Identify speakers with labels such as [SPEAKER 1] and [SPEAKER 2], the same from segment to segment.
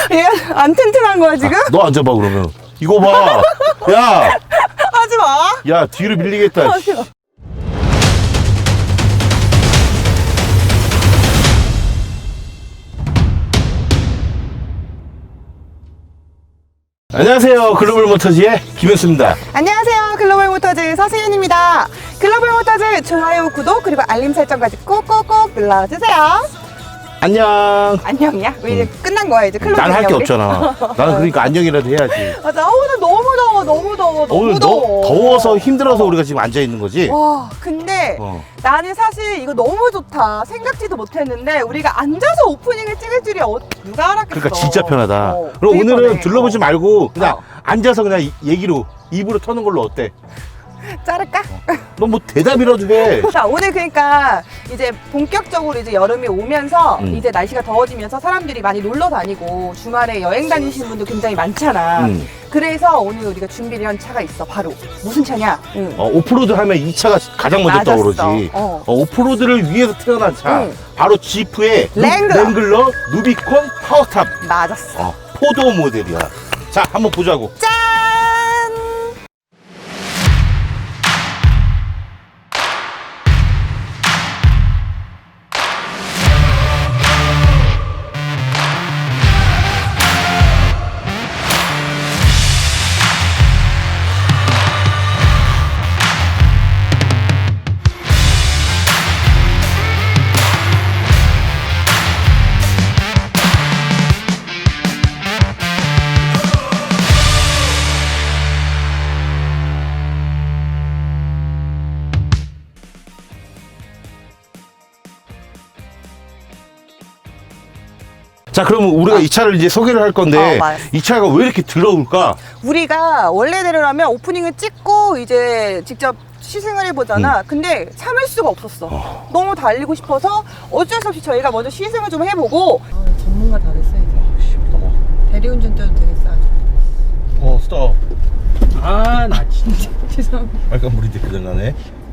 [SPEAKER 1] 얘 안 튼튼한 거야 지금?
[SPEAKER 2] 너 앉아봐 그러면. 이거 봐. 야,
[SPEAKER 1] 하지 마.
[SPEAKER 2] 야 뒤로 밀리겠다.
[SPEAKER 1] 하지 마.
[SPEAKER 2] 안녕하세요. 글로벌 모터즈의 김현수입니다.
[SPEAKER 1] 안녕하세요. 글로벌 모터즈 서승현입니다. 글로벌 모터즈 좋아요, 구독 그리고 알림 설정까지 꼭꼭꼭 눌러주세요.
[SPEAKER 2] 안녕.
[SPEAKER 1] 안녕이야? 왜 이제 끝난 거야 이제 클로징?
[SPEAKER 2] 난 할 게
[SPEAKER 1] 우리?
[SPEAKER 2] 없잖아. 나는 그러니까 안녕이라도 해야지.
[SPEAKER 1] 맞아. 오늘 너무 더워, 너무 더워, 너무
[SPEAKER 2] 오늘
[SPEAKER 1] 더워.
[SPEAKER 2] 더워서 힘들어서 우리가 지금 앉아 있는 거지.
[SPEAKER 1] 와, 근데 나는 사실 이거 너무 좋다. 생각지도 못했는데 우리가 앉아서 오프닝을 찍을 줄이 누가 알았겠어.
[SPEAKER 2] 그러니까 진짜 편하다. 그럼
[SPEAKER 1] 되게
[SPEAKER 2] 오늘은
[SPEAKER 1] 편해.
[SPEAKER 2] 둘러보지 말고 그냥
[SPEAKER 1] 어.
[SPEAKER 2] 앉아서 그냥 얘기로 입으로 터는 걸로 어때?
[SPEAKER 1] 자를까?
[SPEAKER 2] 너 뭐 대답이라도 해.
[SPEAKER 1] 자, 오늘 그러니까 이제 본격적으로 이제 여름이 오면서
[SPEAKER 2] 음.
[SPEAKER 1] 이제 날씨가 더워지면서 사람들이 많이 놀러 다니고 주말에 여행 다니시는 분도 굉장히 많잖아. 그래서 오늘 우리가 준비를 한 차가 있어. 바로 무슨 차냐?
[SPEAKER 2] 오프로드 하면 이 차가 가장 먼저
[SPEAKER 1] 맞았어.
[SPEAKER 2] 떠오르지.
[SPEAKER 1] 어.
[SPEAKER 2] 오프로드를 위해서 태어난 차.
[SPEAKER 1] 응.
[SPEAKER 2] 바로 지프의
[SPEAKER 1] 랭글러.
[SPEAKER 2] 루비콘 파워탑.
[SPEAKER 1] 맞았어.
[SPEAKER 2] 포도 모델이야. 자, 한번 보자고.
[SPEAKER 1] 짠!
[SPEAKER 2] 자, 그러면 우리가 이 차를 이제 소개를 할 건데
[SPEAKER 1] 맞았어.
[SPEAKER 2] 이 차가 왜 이렇게 더러울까?
[SPEAKER 1] 우리가 원래대로라면 오프닝을 찍고 이제 직접 시승을 해보잖아. 근데 참을 수가 없었어. 너무 달리고 싶어서 어쩔 수 없이 저희가 먼저 시승을 좀 해보고. 전문가 다 됐어 이제. 대리운전 때도 되겠어 아주.
[SPEAKER 2] 스톱.
[SPEAKER 3] 아, 나 진짜.
[SPEAKER 1] 죄송합니다.
[SPEAKER 2] 빨간 불인데 그전나네.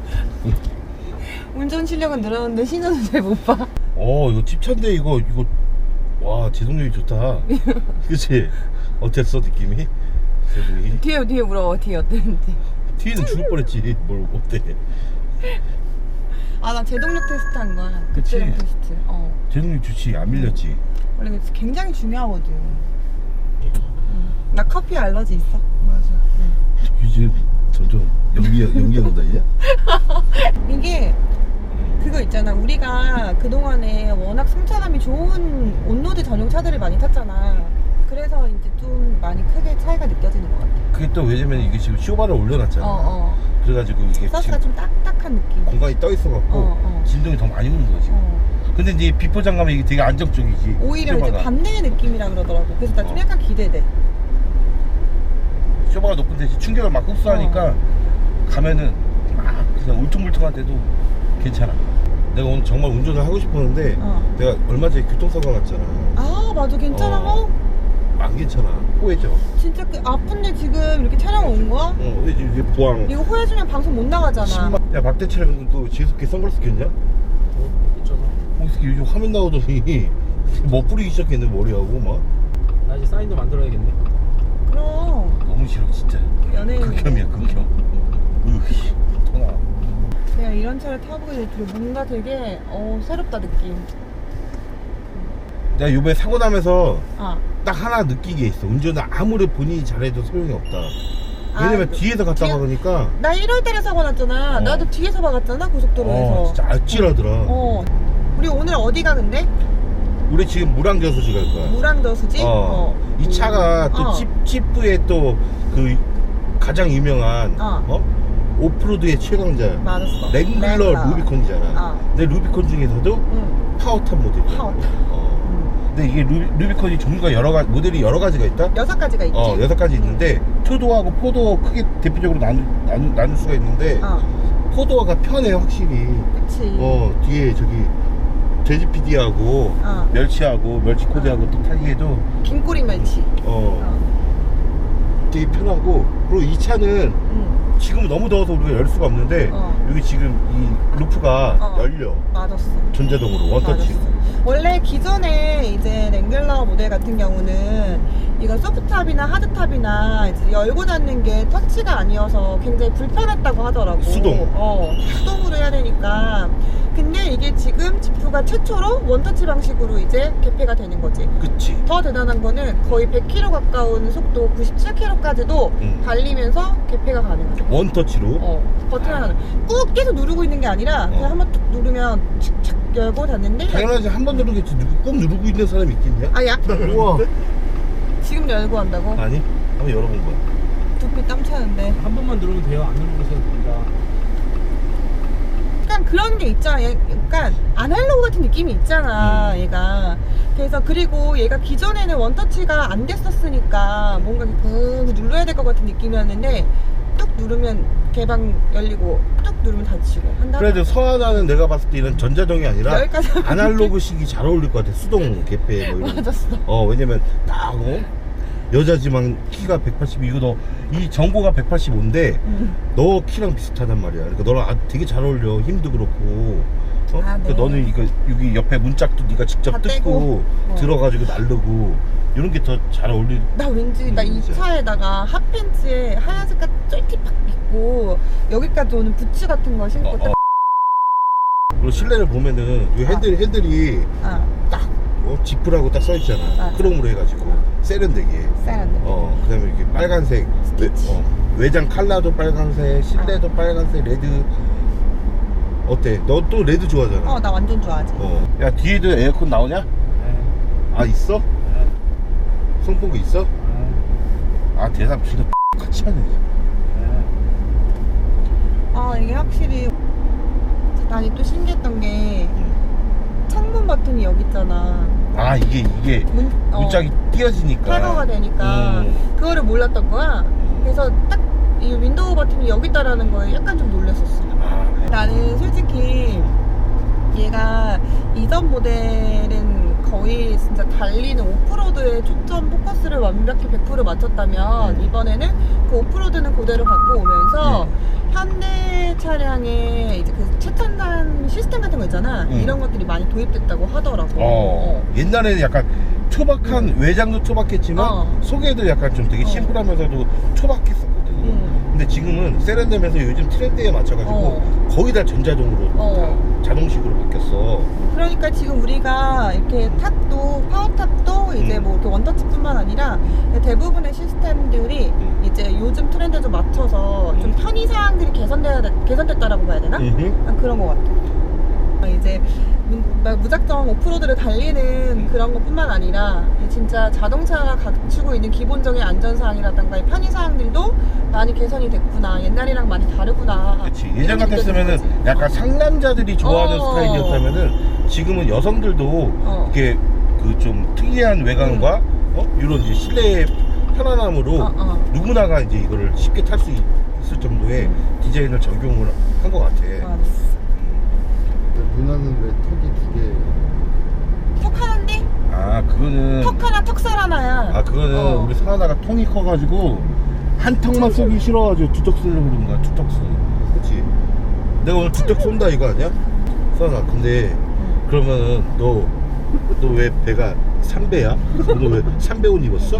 [SPEAKER 1] 운전 실력은 늘었는데 신호는 잘 못 봐.
[SPEAKER 2] 이거 찝차인데 이거 와, 제동력이 좋다. 그치? 어땠어 느낌이? 제동이?
[SPEAKER 1] 뒤에 물어봐. 뒤에 어땠는지.
[SPEAKER 2] 뒤에는 죽을 뻔했지. 뭘 어때?
[SPEAKER 1] 아, 나 제동력 테스트 한 거야.
[SPEAKER 2] 그치?
[SPEAKER 1] 그때랑 테스트.
[SPEAKER 2] 제동력 좋지. 안 밀렸지.
[SPEAKER 1] 원래 그게 굉장히 중요하거든. 나 커피 알러지 있어.
[SPEAKER 2] 맞아. 이제 점점 연기가 온다냐?
[SPEAKER 1] 이게 그거 있잖아. 우리가 그동안에 워낙 승차감이 좋은 온로드 전용 차들을 많이 탔잖아. 그래서 이제 좀 많이 크게 차이가 느껴지는 것 같아.
[SPEAKER 2] 그게 또 왜냐면 이게 지금 쇼바를 올려놨잖아. 그래가지고 이게
[SPEAKER 1] 서스가
[SPEAKER 2] 지금
[SPEAKER 1] 좀 딱딱한 느낌.
[SPEAKER 2] 공간이 떠 있어갖고 진동이 더 많이 오는 거지. 근데 이제 비포장 가면 이게 되게 안정적이지.
[SPEAKER 1] 오히려
[SPEAKER 2] 쇼바가.
[SPEAKER 1] 이제 반대의 느낌이라 그러더라고. 그래서 나 좀 약간 기대돼.
[SPEAKER 2] 쇼바가 높은데 이제 충격을 막 흡수하니까 가면은 막 그냥 울퉁불퉁한데도 괜찮아. 내가 오늘 정말 운전을 하고 싶었는데 내가 얼마 전에 교통사고 났잖아.
[SPEAKER 1] 아, 맞아. 괜찮아.
[SPEAKER 2] 안 괜찮아. 호해져.
[SPEAKER 1] 진짜 그 아픈데 지금 이렇게 촬영 온 거야?
[SPEAKER 2] 호해져. 이게 부항.
[SPEAKER 1] 이거 호해주면 방송 못 나가잖아.
[SPEAKER 2] 야, 박대철은 또 지혜롭게 선글라스 꼈냐?
[SPEAKER 3] 있잖아.
[SPEAKER 2] 어떻게 요즘 화면 나오더니 뭐 뿌리기 시작했네 머리하고 막.
[SPEAKER 3] 나 이제 사인도 만들어야겠네.
[SPEAKER 1] 그럼
[SPEAKER 2] 너무 싫어 진짜.
[SPEAKER 1] 연예인.
[SPEAKER 2] 극혐이야 극혐. 으씨 터나.
[SPEAKER 1] 내가 이런 차를 타보게 될 줄은 뭔가 되게 새롭다 느낌.
[SPEAKER 2] 내가 요번에 사고 나면서
[SPEAKER 1] 아,
[SPEAKER 2] 딱 하나 느낀 게 있어. 운전을 아무리 본인이 잘해도 소용이 없다. 왜냐면 뒤에서 갔다 박으니까.
[SPEAKER 1] 나 1월달에 사고 났잖아. 나도 뒤에서 박았잖아 고속도로에서.
[SPEAKER 2] 진짜 아찔하더라.
[SPEAKER 1] 우리 오늘 어디가 근데?
[SPEAKER 2] 우리 지금 물안겨수지 갈 거야.
[SPEAKER 1] 무랑저수지?
[SPEAKER 2] 이 차가 또 지프의 또 그 가장 유명한 오프로드의 최강자
[SPEAKER 1] 맞았어.
[SPEAKER 2] 랭글러 루비콘이잖아. 근데 루비콘 중에서도 파워탑 모델이야.
[SPEAKER 1] 파워탑.
[SPEAKER 2] 근데 이게 루비콘이 종류가 모델이 여러 가지가 있다?
[SPEAKER 1] 6가지가 있지.
[SPEAKER 2] 6가지 있는데 투도어하고 포도어 크게 대표적으로 나눌 수가 있는데 포도어가 편해 확실히.
[SPEAKER 1] 그치.
[SPEAKER 2] 뒤에 저기 돼지 PD하고 멸치하고 멸치 코드하고 또 타기에도
[SPEAKER 1] 긴꼬리 멸치.
[SPEAKER 2] 되게 편하고. 그리고 이 차는 지금 너무 더워서 우리가 열 수가 없는데 여기 지금 이 루프가 열려.
[SPEAKER 1] 맞았어.
[SPEAKER 2] 전자동으로 원터치.
[SPEAKER 1] 맞았어. 원래 기존에 이제 랭글러 모델 같은 경우는 이거 소프트탑이나 하드탑이나 이제 열고 닫는 게 터치가 아니어서 굉장히 불편했다고 하더라고.
[SPEAKER 2] 수동.
[SPEAKER 1] 수동으로 해야 되니까. 근데 이게 지금 지프가 최초로 원터치 방식으로 이제 개폐가 되는 거지.
[SPEAKER 2] 그치.
[SPEAKER 1] 더 대단한 거는 거의 100km 가까운 속도 97km까지도 달리면서 개폐가 가능하죠.
[SPEAKER 2] 원터치로.
[SPEAKER 1] 버튼 하나 꾹 계속 누르고 있는 게 아니라 그냥 한번 툭 누르면 착착 열고 닫는데
[SPEAKER 2] 당연하지. 한 번 누르겠지. 꾹 누르고 있는 사람이 있겠냐?
[SPEAKER 1] 아야
[SPEAKER 2] 우와.
[SPEAKER 1] 지금 열고 한다고?
[SPEAKER 2] 아니, 한번 열어본 거야.
[SPEAKER 1] 두피 땀 차는데
[SPEAKER 3] 한 번만 누르면 돼요. 안 누르고 있어도 됩니다.
[SPEAKER 1] 약간 그런 게 있잖아. 약간 아날로그 같은 느낌이 있잖아 얘가. 그래서 그리고 얘가 기존에는 원터치가 안 됐었으니까 뭔가 꾹 눌러야 될 것 같은 느낌이었는데 뚝 누르면 개방 열리고 뚝 누르면 닫히고 한다.
[SPEAKER 2] 그래도 서하나는 내가 봤을 때 이런 전자동이 아니라
[SPEAKER 1] 여기까지 하면
[SPEAKER 2] 아날로그식이 잘 어울릴 것 같아. 수동 개폐 뭐 이런.
[SPEAKER 1] 맞았어.
[SPEAKER 2] 왜냐면 딱 여자지만 키가 182. 이거 너 이 정보가 185인데 너 키랑 비슷하단 말이야. 그러니까 너랑 되게 잘 어울려. 힘도 그렇고.
[SPEAKER 1] 네.
[SPEAKER 2] 그러니까 너는 이거 여기 옆에 문짝도 네가 직접
[SPEAKER 1] 다
[SPEAKER 2] 뜯고
[SPEAKER 1] 떼고.
[SPEAKER 2] 들어가지고 나르고 이런 게 더 잘 어울릴.
[SPEAKER 1] 나 왠지 나 이 차에다가 핫팬츠에 하얀 색깔 쫄티팍 입고 여기까지 오는 부츠 같은 거 신고 딱
[SPEAKER 2] 그리고 실내를 보면은 이 핸들이 딱 지프라고 딱 써있잖아.
[SPEAKER 1] 맞아.
[SPEAKER 2] 크롬으로 해가지고 세련되게.
[SPEAKER 1] 쌀한데.
[SPEAKER 2] 그다음에 이렇게 빨간색 외장 칼라도 빨간색, 실내도 빨간색, 레드. 어때? 너 또 레드 좋아하잖아.
[SPEAKER 1] 나 완전 좋아하지.
[SPEAKER 2] 야 뒤에도 에어컨 나오냐?
[SPEAKER 3] 네.
[SPEAKER 2] 아 있어?
[SPEAKER 3] 네.
[SPEAKER 2] 송풍구 있어?
[SPEAKER 3] 네.
[SPEAKER 2] 아 대답 진짜 같이 하네.
[SPEAKER 1] 이게 확실히 난이 또 신기했던 게 창문 버튼이 여기 있잖아.
[SPEAKER 2] 아 이게 문짝이 띄어지니까
[SPEAKER 1] 탈거가 되니까 그거를 몰랐던 거야. 그래서 딱 이 윈도우 버튼이 여기 있다라는 거에 약간 좀 놀랐었어. 나는 솔직히 얘가 이전 모델은 거의 진짜 달리는 오프로드에 초점 포커스를 완벽히 100% 맞췄다면 이번에는 그 오프로드는 그대로 갖고 오면서 현대 차량에 이제 그 최첨단 시스템 같은 거 있잖아. 이런 것들이 많이 도입됐다고 하더라고.
[SPEAKER 2] 옛날에는 약간 초박한 외장도 초박했지만 속에도 약간 좀 되게 심플하면서도 초박했었거든. 근데 지금은 세련되면서 요즘 트렌드에 맞춰가지고 거의 다 전자동으로 다 자동식으로 바뀌었어.
[SPEAKER 1] 그러니까 지금 우리가 이렇게 탑도 파워탑도 이제 뭐 이렇게 원터치뿐만 아니라 대부분의 시스템들이 이제 요즘 트렌드에 좀 맞춰서 좀 편의 사항들이 개선됐다라고 봐야 되나? 그런 것 같아. 이제 무작정 오프로드를 달리는 그런 것뿐만 아니라 진짜 자동차가 갖추고 있는 기본적인 안전사항이라든가 편의사항들도 많이 개선이 됐구나. 옛날이랑 많이 다르구나.
[SPEAKER 2] 그렇지. 예전 같았으면은 약간 상남자들이 좋아하는 스타일이었다면은 지금은 여성들도 이렇게 그 좀 특이한 외관과 이런 이제 실내의 편안함으로 누구나가 이제 이거를 쉽게 탈 수 있을 정도의 디자인을 적용을 한 것 같아.
[SPEAKER 4] 누나는 왜 턱이 두 개예요?
[SPEAKER 1] 턱 하나인데?
[SPEAKER 2] 그거는
[SPEAKER 1] 턱 하나 턱살 하나야.
[SPEAKER 2] 그거는 우리 사하나가 통이 커가지고 한 턱만 쏘기 싫어가지고 두 턱 쓰려고 그런 거야. 두 턱 쏘. 그렇지. 내가 오늘 두 턱 쏜다 이거 아니야? 사하나 근데 그러면은 너 왜 배가 3배야? 너 왜 3배 옷 입었어?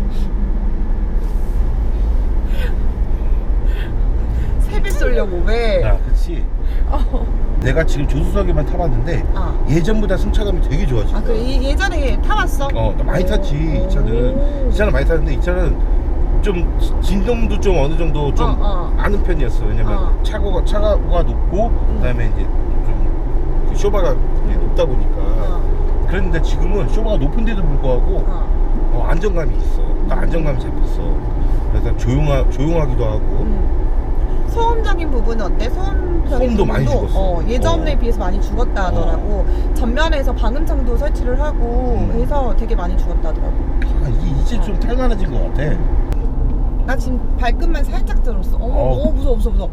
[SPEAKER 1] 세배 쏠려고 왜?
[SPEAKER 2] 그치. 내가 지금 조수석에만 타봤는데 예전보다 승차감이 되게 좋아졌어.
[SPEAKER 1] 그래 예전에 타봤어?
[SPEAKER 2] 나 많이 탔지. 이 차는 많이 탔는데 이 차는 좀 진동도 좀 어느 정도 좀 아는 편이었어. 왜냐면 차고가 높고 그다음에 이제 좀 쇼바가 높다 보니까. 그랬는데 지금은 쇼바가 높은데도 불구하고 안정감이 있어. 딱 안정감이 잡혔어. 그래서 조용하기도 하고.
[SPEAKER 1] 소음적인 부분은 어때?
[SPEAKER 2] 소음도 많이 죽었어.
[SPEAKER 1] 예전에 비해서 많이 죽었다 하더라고. 전면에서 방음창도 설치를 하고 해서 되게 많이 죽었다 하더라고.
[SPEAKER 2] 이제 좀 탈만해진 것 같아.
[SPEAKER 1] 나 지금 발끝만 살짝 들었어. 무서워.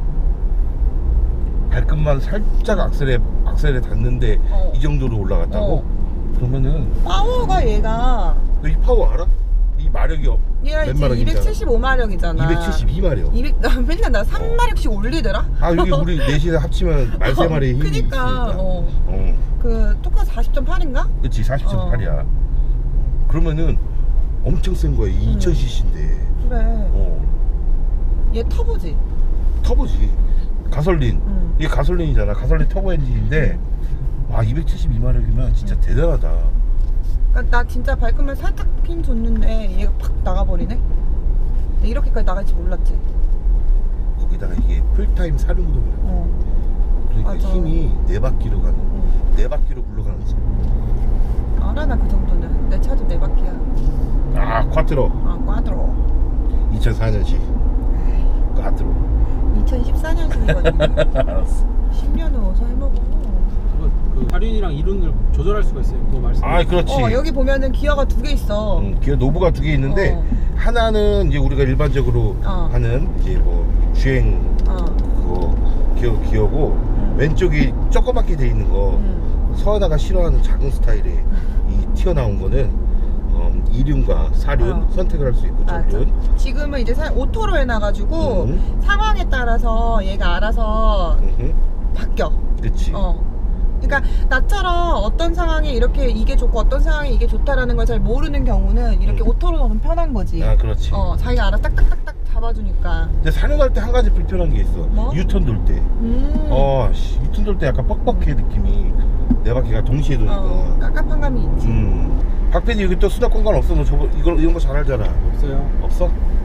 [SPEAKER 2] 발끝만 살짝 악셀에 닿는데 이 정도로 올라갔다고? 그러면은
[SPEAKER 1] 파워가 얘가
[SPEAKER 2] 너 이 파워 알아? 이 마력이
[SPEAKER 1] 얘가
[SPEAKER 2] 몇
[SPEAKER 1] 이제
[SPEAKER 2] 마력이잖아.
[SPEAKER 1] 275마력이잖아.
[SPEAKER 2] 272마력.
[SPEAKER 1] 200, 나 맨날 나 3마력씩 올리더라.
[SPEAKER 2] 아 여기 우리 넷이 합치면 13마리의 힘이
[SPEAKER 1] 그니까,
[SPEAKER 2] 있으니까.
[SPEAKER 1] 어. 그 토카 40.8인가?
[SPEAKER 2] 그치 40.8이야. 그러면은 엄청 센 거야. 2000cc인데.
[SPEAKER 1] 그래. 얘 터보지.
[SPEAKER 2] 터보지. 가솔린. 이게 가솔린이잖아. 가솔린 터보 엔진인데 와 272마력이면 진짜 대단하다.
[SPEAKER 1] 그러니까 나 진짜 발끝만 살짝 힘 줬는데 얘가 팍 나가버리네. 이렇게까지 나갈지 몰랐지.
[SPEAKER 2] 거기다가 이게 풀타임 사륜구동이야. 그러니까
[SPEAKER 1] 맞아.
[SPEAKER 2] 힘이 4바퀴로 가는 4바퀴로 굴러가는 거지.
[SPEAKER 1] 알아 나 그 정도는. 내 차도 4바퀴야.
[SPEAKER 2] 아 콰트로.
[SPEAKER 1] 아 꽈드로.
[SPEAKER 2] 2004년식 꽈트로.
[SPEAKER 1] 2014년식이거든요.
[SPEAKER 2] 알았어.
[SPEAKER 1] 10년은 어서 해먹어.
[SPEAKER 3] 그 할인이랑 이륜을 조절할 수가 있어요. 그거 말씀.
[SPEAKER 2] 아 그렇지.
[SPEAKER 1] 여기 보면은 기어가 2개 있어.
[SPEAKER 2] 기어 노브가 2개 있는데 하나는 이제 우리가 일반적으로 하는 이제 뭐 주행 그거 기어고 왼쪽이 조그맣게 돼 있는 거 서하다가 싫어하는 작은 스타일의 이 튀어나온 거는 이륜과 사륜 선택을 할 수 있고 전륜.
[SPEAKER 1] 지금은 이제 오토로 해놔가지고 상황에 따라서 얘가 알아서 바뀌어.
[SPEAKER 2] 그치.
[SPEAKER 1] 그러니까 나처럼 어떤 상황에 이렇게 이게 좋고 어떤 상황에 이게 좋다라는 걸 잘 모르는 경우는 이렇게 오토로 넣으면 편한 거지.
[SPEAKER 2] 아 그렇지.
[SPEAKER 1] 자기가 알아서 딱딱딱딱 잡아주니까.
[SPEAKER 2] 근데 사륜할 때 한 가지 불편한 게 있어.
[SPEAKER 1] 뭐?
[SPEAKER 2] 유턴 돌 때. 유턴 돌 때 약간 뻑뻑해 느낌이. 네 바퀴가 동시에 도니까.
[SPEAKER 1] 깝깝한 감이 있지.
[SPEAKER 2] 박PD 여기 또 수납 공간 없어? 너 저거 이런 거 잘 알잖아.
[SPEAKER 3] 없어요.
[SPEAKER 2] 없어?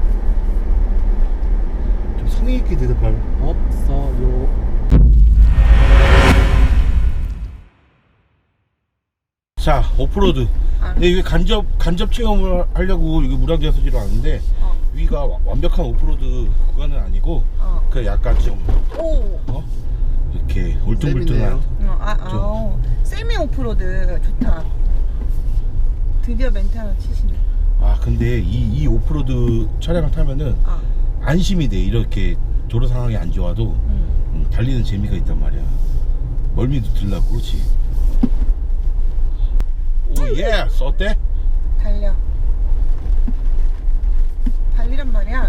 [SPEAKER 2] 좀 성의 있게 대답할.
[SPEAKER 3] 없어요.
[SPEAKER 2] 자 오프로드. 근데 이게 간접 체험을 하려고 여기 무량자수지로 왔는데 위가 완벽한 오프로드 구간은 아니고 그 약간 좀 이렇게 울퉁불퉁한.
[SPEAKER 1] 세미 오프로드 좋다. 드디어 멘트 하나 치시네.
[SPEAKER 2] 아 근데 이 오프로드 차량을 타면은 안심이 돼. 이렇게 도로 상황이 안 좋아도 달리는 재미가 있단 말이야. 멀미도 들라고. 그렇지. 오예 어때?
[SPEAKER 1] 달리란 말이야.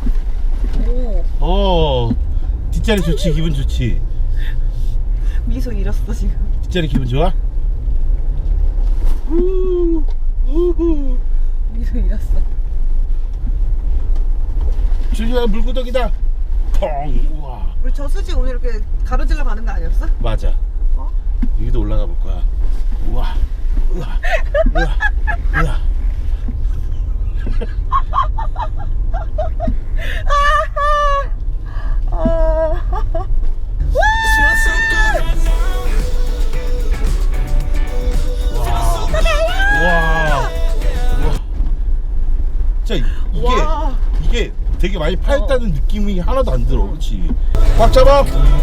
[SPEAKER 2] 뒷자리 좋지. 기분 좋지.
[SPEAKER 1] 미소 잃었어 지금.
[SPEAKER 2] 뒷자리 기분 좋아?
[SPEAKER 1] 미소 잃었어.
[SPEAKER 2] 줄리아 물구덩이다. 펑. 우와.
[SPEAKER 1] 우리 저수지 오늘 이렇게 가로질러 가는 거 아니었어?
[SPEAKER 2] 맞아. 여기도 올라가 볼 거야. 우와. 우와. 우와. 우와. 와. 진짜 이게 되게 많이 파였다는 느낌이 하나도 안 들어. 그렇지. 꽉 잡아.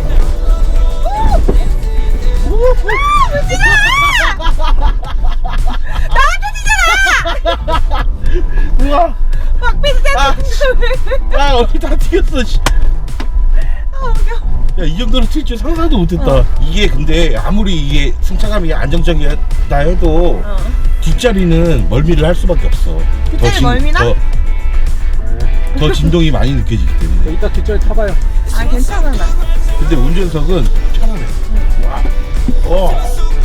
[SPEAKER 2] 우와. 얼굴 다 튀겼어. 씨. 야, 이 정도로 튈 줄 상상도 못했다. 이게 근데 아무리 이게 승차감이 안정적이다 해도 뒷자리는 멀미를 할 수밖에 없어.
[SPEAKER 1] 뒷자리 멀미나?
[SPEAKER 2] 더 진동이 많이 느껴지기 때문에.
[SPEAKER 3] 이따 뒷자리 타봐요.
[SPEAKER 1] 괜찮아 나.
[SPEAKER 2] 근데 운전석은 편안해. 와.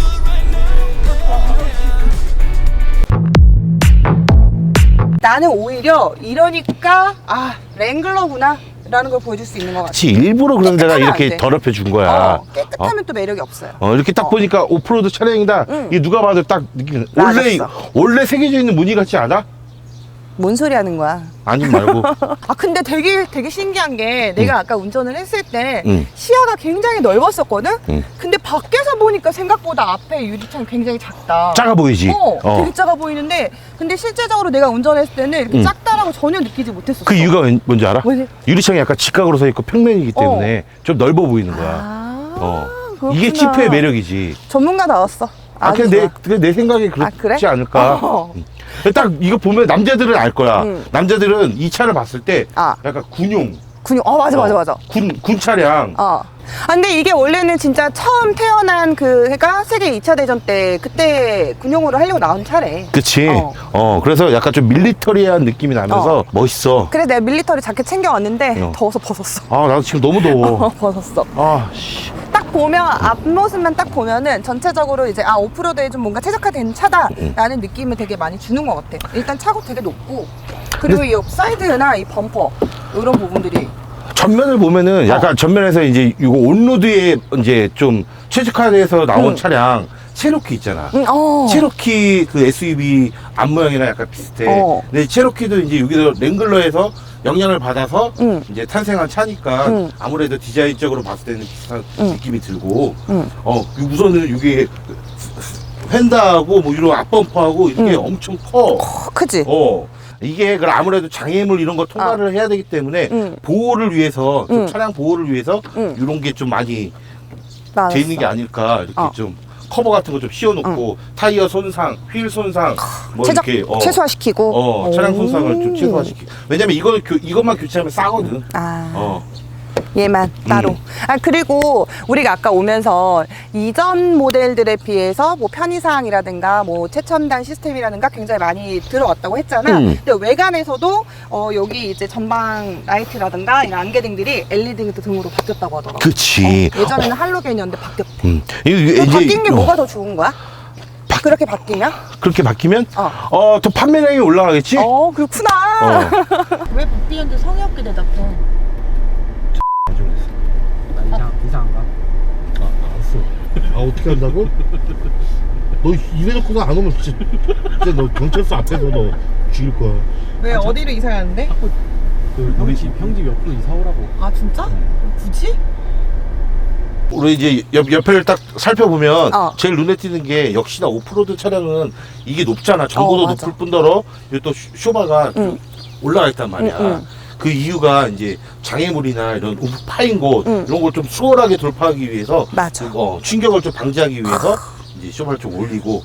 [SPEAKER 1] 나는 오히려 이러니까 랭글러구나 라는 걸 보여줄 수 있는 것 같아.
[SPEAKER 2] 그치, 일부러 그런 데가
[SPEAKER 1] 깨끗하면 안
[SPEAKER 2] 이렇게
[SPEAKER 1] 돼.
[SPEAKER 2] 더럽혀 준 거야.
[SPEAKER 1] 깨끗하면 또 매력이 없어요.
[SPEAKER 2] 이렇게 딱 보니까 오프로드 차량이다. 이게 누가 봐도 딱 느끼는.
[SPEAKER 1] 맞았어.
[SPEAKER 2] 원래 새겨져 있는 무늬 같지 않아?
[SPEAKER 1] 뭔 소리 하는 거야?
[SPEAKER 2] 아니 말고.
[SPEAKER 1] 근데 되게 신기한 게 내가 아까 운전을 했을 때
[SPEAKER 2] 응.
[SPEAKER 1] 시야가 굉장히 넓었었거든?
[SPEAKER 2] 응.
[SPEAKER 1] 근데 밖에서 보니까 생각보다 앞에 유리창이 굉장히 작다.
[SPEAKER 2] 작아 보이지?
[SPEAKER 1] 되게 작아 보이는데 근데 실제적으로 내가 운전했을 때는 이렇게 작다라고 전혀 느끼지 못했었어.
[SPEAKER 2] 그 이유가 뭔지 알아?
[SPEAKER 1] 왜?
[SPEAKER 2] 유리창이 약간 직각으로 서 있고 평면이기 때문에 좀 넓어 보이는 거야. 이게
[SPEAKER 1] 그렇구나.
[SPEAKER 2] 지프의 매력이지.
[SPEAKER 1] 전문가 나왔어.
[SPEAKER 2] 그냥 내 생각이 그렇지
[SPEAKER 1] 그래?
[SPEAKER 2] 않을까. 딱 이거 보면 남자들은 알 거야. 남자들은 이 차를 봤을 때
[SPEAKER 1] 아.
[SPEAKER 2] 약간 군용
[SPEAKER 1] 근육, 맞아.
[SPEAKER 2] 군 차량.
[SPEAKER 1] 아, 근데 이게 원래는 진짜 처음 태어난 그가 세계 2차 대전 때 그때 군용으로 하려고 나온 차래.
[SPEAKER 2] 그치. 그래서 약간 좀 밀리터리한 느낌이 나면서 멋있어.
[SPEAKER 1] 그래 내가 밀리터리 자켓 챙겨왔는데 더워서 벗었어.
[SPEAKER 2] 나도 지금 너무 더워.
[SPEAKER 1] 벗었어.
[SPEAKER 2] 씨.
[SPEAKER 1] 딱 보면 앞모습만 딱 보면은 전체적으로 이제 오프로드에 좀 뭔가 최적화된 차다라는 느낌을 되게 많이 주는 것 같아. 일단 차고 되게 높고 그리고 이 사이드나 이 범퍼 이런 부분들이
[SPEAKER 2] 전면을 보면은 약간 전면에서 이제 이거 온로드에 이제 좀 최적화돼서 나온 차량 체로키 있잖아. 체로키 그 SUV 앞모양이랑 약간 비슷해. 근데 체로키도 이제 여기서 랭글러에서 영향을 받아서 이제 탄생한 차니까 아무래도 디자인적으로 봤을 때는 비슷한 느낌이 들고 우선은 이게 휀다하고 뭐 이런 앞범퍼하고 이게 엄청 커.
[SPEAKER 1] 크지?
[SPEAKER 2] 이게 그럼 아무래도 장애물 이런 거 통과를 해야 되기 때문에 보호를 위해서 좀 차량 보호를 위해서 이런 게 좀 많이 돼 있는 게 아닐까 이렇게 좀 커버 같은 거 좀 씌워놓고 타이어 손상, 휠 손상 뭐 이렇게
[SPEAKER 1] 최소화시키고
[SPEAKER 2] 차량 손상을 좀 최소화시키고 왜냐면 이것만 교체하면 싸거든.
[SPEAKER 1] 얘만 따로. 그리고 우리가 아까 오면서 이전 모델들에 비해서 뭐 편의사항이라든가 뭐 최첨단 시스템이라든가 굉장히 많이 들어왔다고 했잖아. 근데 외관에서도 여기 이제 전방 라이트라든가 이런 안개등들이 LED 등으로 바뀌었다고 하더라고.
[SPEAKER 2] 그치.
[SPEAKER 1] 예전에는 할로겐이었는데 바뀌었대.
[SPEAKER 2] 이제
[SPEAKER 1] 바뀐 게 뭐가 더 좋은 거야? 그렇게 바뀌면?
[SPEAKER 2] 그렇게 바뀌면 또 판매량이 올라가겠지?
[SPEAKER 1] 그렇구나.
[SPEAKER 5] 왜 바뀌는데 성의 없게 대답해?
[SPEAKER 3] 나 이상 안 가.
[SPEAKER 4] 알았어. 어떻게 한다고? 너 입에 넣고서 안 오면 진짜 너 경찰서 앞에서 너 죽일 거야.
[SPEAKER 1] 왜 어디로 이사 가는데?
[SPEAKER 3] 우리 집 형집 옆으로 이사 오라고.
[SPEAKER 1] 진짜? 굳이?
[SPEAKER 2] 우리 이제 옆에를 딱 살펴보면 제일 눈에 띄는 게 역시나 오프로드 차량은 이게 높잖아. 전고도 높을 뿐더러 여기 또 쇼바가 올라가 있단 말이야. 그 이유가 이제 장애물이나 이런 파인 곳 이런 걸 좀 수월하게 돌파하기 위해서 충격을 좀 방지하기 위해서 이제 쇼바를 좀 올리고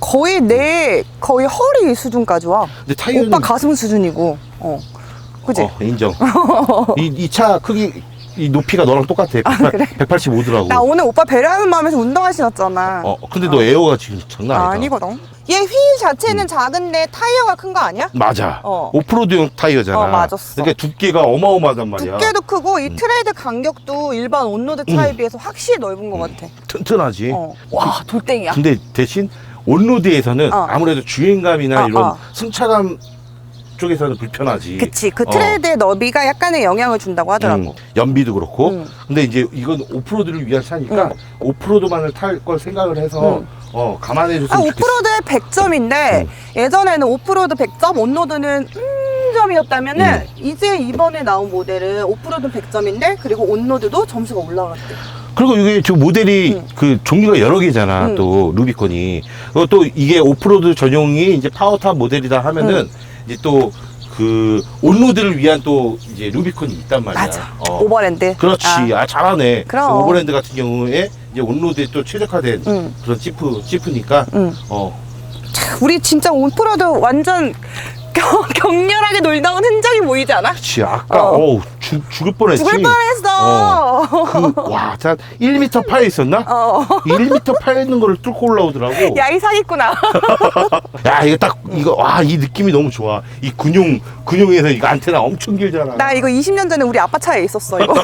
[SPEAKER 1] 거의 허리 수준까지 와.
[SPEAKER 2] 근데 타이어는
[SPEAKER 1] 오빠 가슴 수준이고. 그치?
[SPEAKER 2] 인정. 이 차 크기 이 높이가 너랑 똑같아.
[SPEAKER 1] 그래?
[SPEAKER 2] 185더라고.
[SPEAKER 1] 나 오늘 오빠 배려하는 마음에서 운동화 신었잖아.
[SPEAKER 2] 근데 너 에어가 지금 장난 아니다.
[SPEAKER 1] 아니거든. 얘 휠 자체는 작은데 타이어가 큰 거 아니야?
[SPEAKER 2] 맞아. 오프로드용 타이어잖아.
[SPEAKER 1] 맞았어.
[SPEAKER 2] 그러니까 두께가 어마어마하단 말이야.
[SPEAKER 1] 두께도 크고 이 트레이드 간격도 일반 온로드 차에 비해서 확실히 넓은 것 같아.
[SPEAKER 2] 튼튼하지.
[SPEAKER 1] 와, 돌덩이야.
[SPEAKER 2] 근데 대신 온로드에서는 아무래도 주행감이나 이런 승차감 쪽에서는 불편하지.
[SPEAKER 1] 그치. 그 트레이드의 너비가 약간의 영향을 준다고 하더라고.
[SPEAKER 2] 연비도 그렇고. 근데 이제 이건 오프로드를 위한 차니까 오프로드만을 탈 걸 생각을 해서 감안해 줬으면 좋겠어.
[SPEAKER 1] 오프로드의 100점인데 예전에는 오프로드 100점, 온로드는 점이었다면은 이제 이번에 나온 모델은 오프로드 100점인데 그리고 온로드도 점수가 올라갔대.
[SPEAKER 2] 그리고 이게 지금 모델이 그 종류가 여러 개잖아. 또 루비콘이. 그리고 또 이게 오프로드 전용이 이제 파워탑 모델이다 하면은 이제 또 그 온로드를 위한 또 이제 루비콘이 있단 말이야.
[SPEAKER 1] 맞아. 오버랜드.
[SPEAKER 2] 그렇지. 잘하네.
[SPEAKER 1] 그럼.
[SPEAKER 2] 오버랜드 같은 경우에 이제 온로드에 또 최적화된 그런 지프니까
[SPEAKER 1] 우리 진짜 오프로드 완전 격렬하게 놀다 온 흔적이 보이지 않아?
[SPEAKER 2] 그치. 아까 죽을 뻔했지.
[SPEAKER 1] 죽을 뻔했어.
[SPEAKER 2] 와, 자 1m 파에 있었나? 1m 파에 있는 거를 뚫고 올라오더라고.
[SPEAKER 1] 야, 이 사기꾼아.
[SPEAKER 2] 야, 이 느낌이 너무 좋아. 이 근용에서 이거 안테나 엄청 길잖아.
[SPEAKER 1] 나 이거 20년 전에 우리 아빠 차에 있었어, 이거.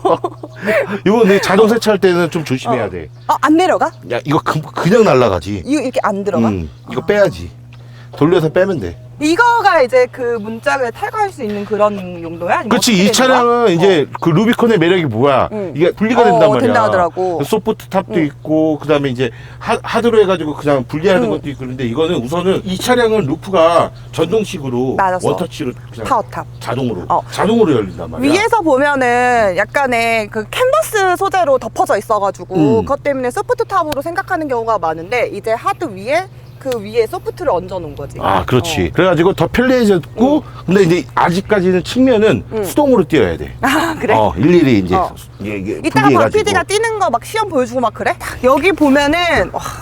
[SPEAKER 2] 이거 내 자동 세차할 때는 좀 조심해야 돼.
[SPEAKER 1] 안 내려가?
[SPEAKER 2] 야, 이거 그냥 날아가지.
[SPEAKER 1] 이거 이렇게 안 들어가?
[SPEAKER 2] 이거 빼야지. 돌려서 빼면 돼.
[SPEAKER 1] 이거가 이제 그 문짝을 탈거할 수 있는 그런 용도야? 아니면
[SPEAKER 2] 그렇지.
[SPEAKER 1] 어떻게
[SPEAKER 2] 이
[SPEAKER 1] 되는
[SPEAKER 2] 차량은
[SPEAKER 1] 거야?
[SPEAKER 2] 이제 그 루비콘의 매력이 뭐야? 이게 분리가 된단 말이야.
[SPEAKER 1] 된다 하더라고.
[SPEAKER 2] 소프트 탑도 있고, 그 다음에 이제 하드로 해가지고 그냥 분리하는 것도 있고, 그런데 이거는 우선은 이 차량은 루프가 전동식으로
[SPEAKER 1] 맞았어.
[SPEAKER 2] 원터치로 그냥
[SPEAKER 1] 파워탑.
[SPEAKER 2] 자동으로 열린단 말이야.
[SPEAKER 1] 위에서 보면은 약간의 그 캔버스 소재로 덮어져 있어가지고 그것 때문에 소프트 탑으로 생각하는 경우가 많은데 이제 하드 위에 그 위에 소프트를 얹어 놓은 거지.
[SPEAKER 2] 그렇지. 그래가지고 더 편리해졌고, 근데 이제 아직까지는 측면은 수동으로 띄어야 돼.
[SPEAKER 1] 그래?
[SPEAKER 2] 일일이 이제 이게
[SPEAKER 1] 이따가 박
[SPEAKER 2] 분리해가지고.
[SPEAKER 1] PD가 뛰는 거 막 시험 보여주고 막 그래? 여기 보면은 와,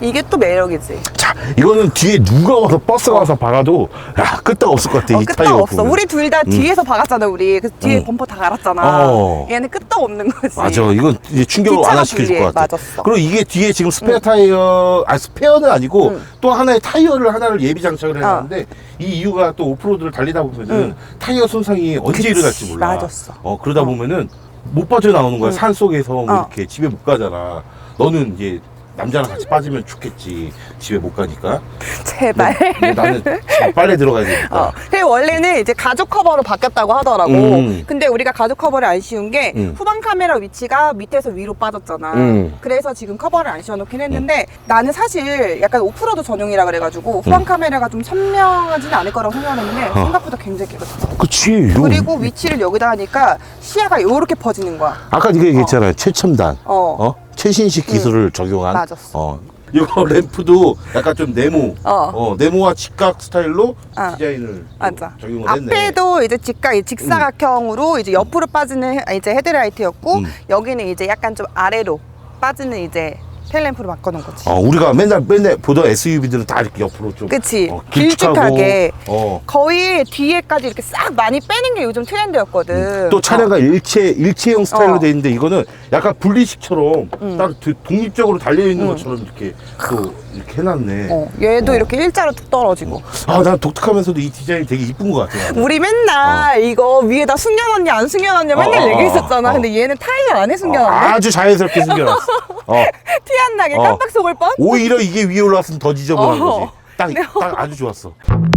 [SPEAKER 1] 이게 또 매력이지.
[SPEAKER 4] 자, 이거는 뒤에 누가 와서 버스가 와서 박아도 야 끄떡 없을 것 같아. 이
[SPEAKER 1] 끄떡
[SPEAKER 4] 타이어
[SPEAKER 1] 없어.
[SPEAKER 4] 보면.
[SPEAKER 1] 우리 둘 다 뒤에서 박았잖아, 우리. 그래서 뒤에
[SPEAKER 4] 응.
[SPEAKER 1] 범퍼 다 갈았잖아.
[SPEAKER 4] 어.
[SPEAKER 1] 얘는 끄떡 없는 거지.
[SPEAKER 4] 맞아. 이건 이제 충격을
[SPEAKER 1] 뒷차가
[SPEAKER 4] 완화시켜줄
[SPEAKER 1] 불리해.
[SPEAKER 4] 것 같아.
[SPEAKER 1] 맞았어.
[SPEAKER 4] 그리고 이게 뒤에 지금 스페어 타이어, 스페어는 아니고 또 하나의 타이어를 하나를 예비 장착을 해놨는데 이 이유가 또 오프로드를 달리다 보면은 타이어 손상이 언제 일어날지 몰라.
[SPEAKER 1] 맞았어.
[SPEAKER 4] 그러다 보면은 못 빠져나오는 거야. 산 속에서 뭐
[SPEAKER 1] 어.
[SPEAKER 4] 이렇게 집에 못 가잖아. 너는 이제 남자랑 같이 빠지면 좋겠지. 집에 못 가니까.
[SPEAKER 1] 제발.
[SPEAKER 4] 근데 나는 빨래 들어가야 되니까.
[SPEAKER 1] 그리고 원래는 이제 가죽 커버로 바뀌었다고 하더라고. 근데 우리가 가죽 커버를 안 씌운 게 후방 카메라 위치가 밑에서 위로 빠졌잖아. 그래서 지금 커버를 안 씌워놓긴 했는데 나는 사실 약간 오프로드 전용이라 그래가지고 후방 카메라가 좀 선명하지는 않을 거라고 생각했는데 생각보다 굉장히 깨끗해.
[SPEAKER 4] 그치.
[SPEAKER 1] 그리고 위치를 여기다 하니까 시야가 요렇게 퍼지는 거야.
[SPEAKER 4] 아까 네가 얘기했잖아요. 최첨단.
[SPEAKER 1] 어.
[SPEAKER 4] 최신식 기술을 적용한.
[SPEAKER 1] 맞았어.
[SPEAKER 4] 이거 램프도 약간 좀 네모.
[SPEAKER 1] 어.
[SPEAKER 4] 네모와 직각 스타일로
[SPEAKER 1] 어.
[SPEAKER 4] 디자인을
[SPEAKER 1] 맞아.
[SPEAKER 4] 적용을 했네.
[SPEAKER 1] 앞에도 이제 직사각형으로 이제 옆으로 빠지는 이제 헤드라이트였고 여기는 이제 약간 좀 아래로 빠지는 이제 텔램프로 바꿔놓은 거지.
[SPEAKER 4] 우리가 맨날 보던 SUV들은 다 이렇게 옆으로 좀.
[SPEAKER 1] 그치.
[SPEAKER 4] 길쭉하고.
[SPEAKER 1] 길쭉하게.
[SPEAKER 4] 어.
[SPEAKER 1] 거의 뒤에까지 이렇게 싹 많이 빼는 게 요즘 트렌드였거든.
[SPEAKER 4] 또 차량과 일체형 스타일로
[SPEAKER 1] 어.
[SPEAKER 4] 돼 있는데 이거는 약간 분리식처럼 따로 독립적으로 달려 있는 것처럼 이렇게 또 이렇게 해놨네.
[SPEAKER 1] 얘도 이렇게 일자로 뚝 떨어지고.
[SPEAKER 4] 난 독특하면서도 이 디자인이 되게 이쁜 것 같아. 나는.
[SPEAKER 1] 우리 맨날 이거 위에다 숨겨놨냐 안 숨겨놨냐 맨날 얘기했었잖아. 근데 얘는 타이어 안에 숨겨놨네.
[SPEAKER 4] 아주 자연스럽게 숨겨놨어.
[SPEAKER 1] 티 안 나게 깜빡 속을 뻔.
[SPEAKER 4] 오히려 이게 위에 올라왔으면 더 지저분한
[SPEAKER 1] 어.
[SPEAKER 4] 거지. 딱 아주 좋았어.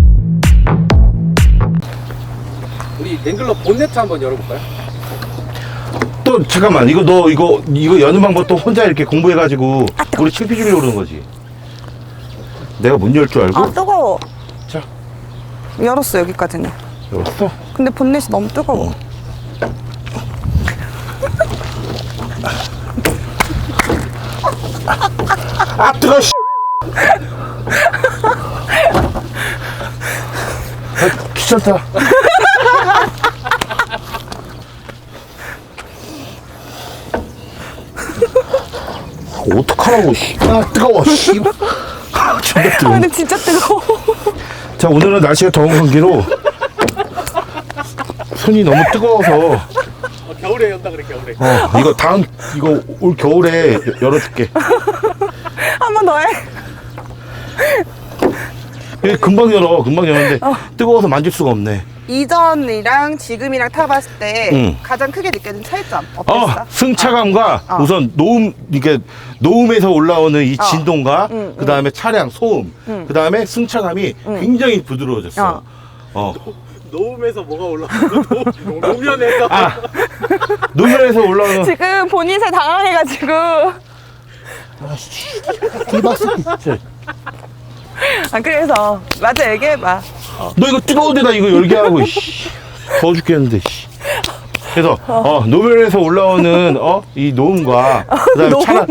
[SPEAKER 3] 우리 랭글러 본네트 한번 열어볼까요?
[SPEAKER 4] 또 잠깐만 이거 여는 방법 또 혼자 이렇게 공부해가지고 우리 창피 주려고 그러는 거지. 내가 못 열 줄 알고.
[SPEAKER 1] 아 뜨거워.
[SPEAKER 4] 자,
[SPEAKER 1] 열었어 여기까지는.
[SPEAKER 4] 열었어.
[SPEAKER 1] 근데 본넷이 너무 뜨거워.
[SPEAKER 4] 뜨거. 귀찮다. 어떡하라고. 뜨거워. 존나 뜨거워.
[SPEAKER 1] 근데 진짜 뜨거워.
[SPEAKER 4] 자, 오늘은 날씨가 더운 관계로 손이 너무 뜨거워서
[SPEAKER 3] 겨울에 연다 그래 겨울에.
[SPEAKER 4] 이거 올 겨울에 열어줄게.
[SPEAKER 1] 한 번 더 해.
[SPEAKER 4] 금방 열었는데 뜨거워서 만질 수가 없네.
[SPEAKER 1] 이전이랑 지금이랑 타봤을 때 가장 크게 느껴진 차이점 어땠어?
[SPEAKER 4] 승차감과 우선 노음에서 올라오는 이 진동과 그 다음에 차량 소음, 그 다음에 승차감이 굉장히 부드러워졌어.
[SPEAKER 3] 노음에서 뭐가 올라오고 노면에서.
[SPEAKER 4] 노면에서 올라오는.
[SPEAKER 1] 지금 본인세 당황해가지고. 그래서 맞아 얘기해봐.
[SPEAKER 4] 너 이거 뜨거운 데다 이거 열게 하고 더워 죽겠는데. 그래서 노면에서 올라오는 이 노음과 그다음에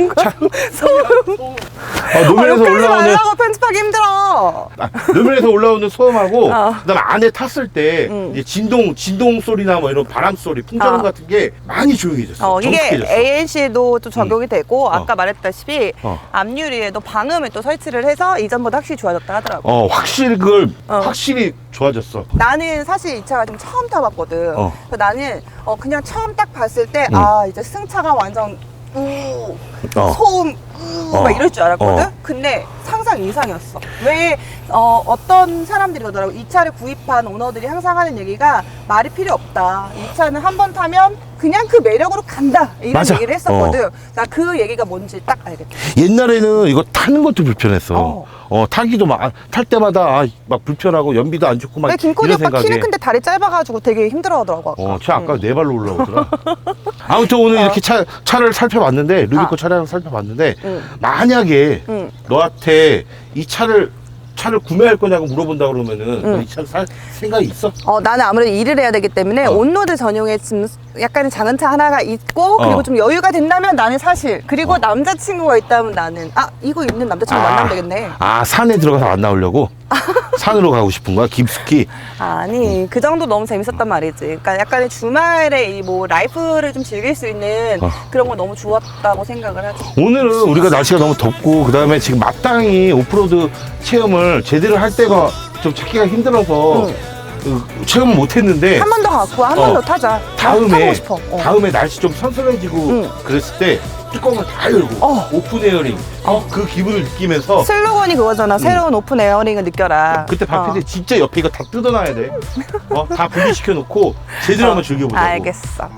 [SPEAKER 4] 노면에서
[SPEAKER 1] 욕하지
[SPEAKER 4] 올라오는
[SPEAKER 1] 말라고 편집하기 힘들어.
[SPEAKER 4] 노면에서 올라오는 소음하고 그다음에 안에 탔을 때 이제 진동 소리나 뭐 이런 바람 소리, 풍자음 같은 게 많이 조용해졌어.
[SPEAKER 1] 이게
[SPEAKER 4] 정숙해졌어.
[SPEAKER 1] ANC에도 또 적용이 되고 아까 말했다시피 앞유리에도 방음을 또 설치를 해서 이전보다 확실히 좋아졌다 하더라고.
[SPEAKER 4] 확실히 확실히 좋아졌어.
[SPEAKER 1] 나는 사실 이 차가 좀 처음 타봤거든. 그래서 나는 그냥 처음 딱 봤을 때 이제 승차가 완전 소음 막 이럴 줄 알았거든. 근데 상상 이상이었어. 왜 어떤 사람들이 그러더라고. 이 차를 구입한 오너들이 항상 하는 얘기가 말이 필요 없다. 이 차는 한 번 타면 그냥 그 매력으로 간다. 이런
[SPEAKER 4] 맞아.
[SPEAKER 1] 얘기를 했었거든. 나 그 얘기가 뭔지 딱 알겠다.
[SPEAKER 4] 옛날에는 이거 타는 것도 불편했어. 타기도 탈 때마다 막 불편하고 연비도 안 좋고 막
[SPEAKER 1] 왜 김코디
[SPEAKER 4] 이런
[SPEAKER 1] 오빠 키는
[SPEAKER 4] 생각에.
[SPEAKER 1] 큰데 다리 짧아가지고 되게 힘들어하더라고.
[SPEAKER 4] 아까 네 발로 올라오더라. 아무튼 오늘 이렇게 차를 살펴봤는데 루비코 차량을 살펴봤는데 만약에 너한테 이 차를 구매할 거냐고 물어본다 그러면은 너 이 차를 살 생각이 있어?
[SPEAKER 1] 나는 아무래도 일을 해야 되기 때문에 온로드 전용의 지금 약간의 작은 차 하나가 있고 그리고 좀 여유가 된다면 나는 사실 그리고 남자친구가 있다면 나는 이거 있는 남자친구 만나면 되겠네.
[SPEAKER 4] 산에 들어가서 만나려고? 산으로 가고 싶은 거야? 깊숙이?
[SPEAKER 1] 아니 그 정도 너무 재밌었단 말이지. 그러니까 약간의 주말에 이 뭐 라이프를 좀 즐길 수 있는 그런 건 너무 좋았다고 생각을 하지.
[SPEAKER 4] 오늘은 우리가 날씨가 너무 덥고 그 다음에 지금 마땅히 오프로드 체험을 제대로 할 때가 좀 찾기가 힘들어서 체험을 못했는데
[SPEAKER 1] 한 번 더 갖고 한 번 더 타자. 타고
[SPEAKER 4] 다음에
[SPEAKER 1] 싶어.
[SPEAKER 4] 다음에 날씨 좀 선선해지고 그랬을 때 뚜껑을 다 열고 오픈 에어링 그 기분을 느끼면서
[SPEAKER 1] 슬로건이 그거잖아. 새로운 오픈 에어링을 느껴라.
[SPEAKER 4] 그때 박 PD 진짜 옆에 이거 다 뜯어놔야 돼. 다 분리시켜 놓고 제대로 한번 즐겨보자고.
[SPEAKER 1] 알겠어.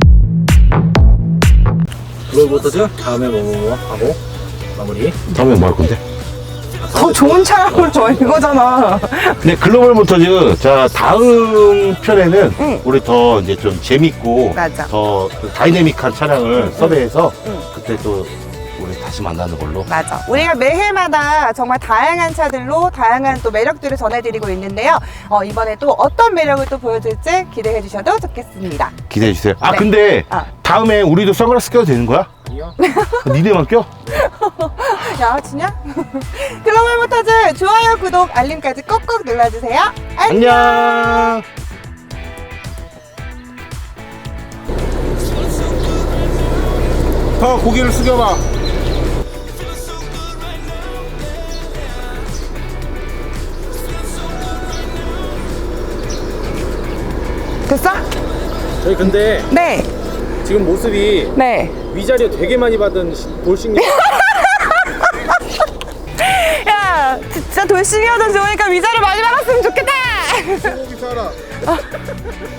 [SPEAKER 3] 글로벌모터즈 다음에 뭐 하고 마무리.
[SPEAKER 4] 다음에 뭐 할 건데?
[SPEAKER 1] 더 좋은 차량을 줘 이거잖아.
[SPEAKER 4] 네, 글로벌 모터즈. 자, 다음 편에는 우리 더 이제 좀 재밌고
[SPEAKER 1] 맞아.
[SPEAKER 4] 더 다이내믹한 차량을 섭외해서 그때 또 우리 다시 만나는 걸로.
[SPEAKER 1] 맞아. 우리가 매해마다 정말 다양한 차들로 다양한 또 매력들을 전해드리고 있는데요. 이번에 또 어떤 매력을 또 보여줄지 기대해 주셔도 좋겠습니다.
[SPEAKER 4] 기대해 주세요.
[SPEAKER 1] 네.
[SPEAKER 4] 근데
[SPEAKER 1] 아.
[SPEAKER 4] 다음에 우리도 선글라스 껴도 되는 거야?
[SPEAKER 3] 아니요.
[SPEAKER 4] 니네만 껴?
[SPEAKER 1] 야, 진짜? 글로벌 모터즈 좋아요, 구독, 알림까지 꼭꼭 눌러주세요.
[SPEAKER 4] 안녕.
[SPEAKER 2] 더 고개를 숙여봐.
[SPEAKER 1] 됐어?
[SPEAKER 3] 저희 근데
[SPEAKER 1] 네.
[SPEAKER 3] 지금 모습이
[SPEAKER 1] 네.
[SPEAKER 3] 위자료 되게 많이 받은 돌싱.
[SPEAKER 1] 야, 진짜 돌싱이어도 좋으니까 위자료 많이 받았으면 좋겠다.
[SPEAKER 2] 소고기 사라.